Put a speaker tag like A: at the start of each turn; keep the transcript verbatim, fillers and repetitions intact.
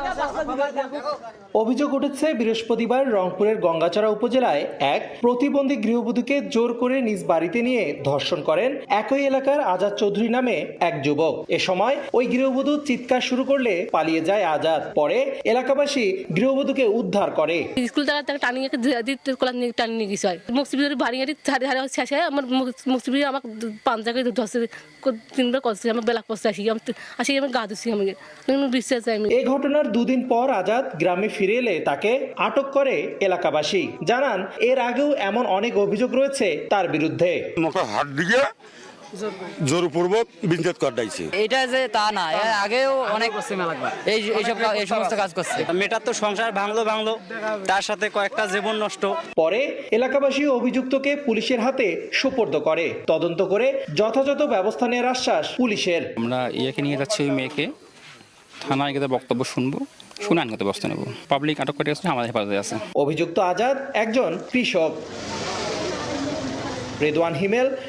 A: অভিযোগ উঠেছে বৃহস্পতিবার রংপুরের গঙ্গাচড়া উপজেলায় এক প্রতিবন্ধী গৃহবধূকে জোর করে নিজ বাড়িতে নিয়ে ধর্ষণ করেন একই এলাকার আজাদ চৌধুরী নামে এক যুবক। এ সময় ওই গৃহবধূ চিৎকার শুরু করলে পালিয়ে যায় আজাদ। পরে এলাকাবাসী গৃহবধূকে উদ্ধার করে।
B: স্কুল থেকে তাকে টানিয়ে টানিয়ে টানিয়ে গেছে মুক্তিবিদের বাড়ি ধারে ধারে শেষে আমার মুক্তিবিদ আমার পাঞ্জাকে ধরছে তিনবার করছে আমার বেলা করছে আসি আসি আমি গা দিচ্ছি আমাকে বিশ্বাস যাই।
A: এই ঘটনার দুদিন পর আজাদ গ্রামে ফিরে এলে তাকে আটক করে এলাকাবাসী। জানান এর আগেও এমন অনেক অভিযোগ রয়েছে তার বিরুদ্ধে।
C: হাত দিকে জোরপূর্বক বিচ্ছেদ করাইছে।
D: এটা যে তা না, এর আগেও অনেক এই এইসব এই সমস্ত কাজ করছে।
E: মেয়েটার তো সংসার ভাঙলো ভাঙলো তার সাথে কয়েকটা জীবন নষ্ট।
A: পরে এলাকাবাসী অভিযুক্তকে পুলিশের হাতে সোপর্দ করে। তদন্ত করে যথাযথ ব্যবস্থা নেওয়ার আশ্বাস পুলিশের।
F: আমরা ইয়াকে নিয়ে যাচ্ছি ওই মেয়েকে থানায় গিয়ে বক্তব্য শুনবো, শুনে আইনগত ব্যবস্থা নেব। পাবলিক আটক করে গেছে, আমাদের হেফাজতে আছে।
A: অভিযুক্ত আজাদ একজন কৃষক। রেদওয়ান হিমেল,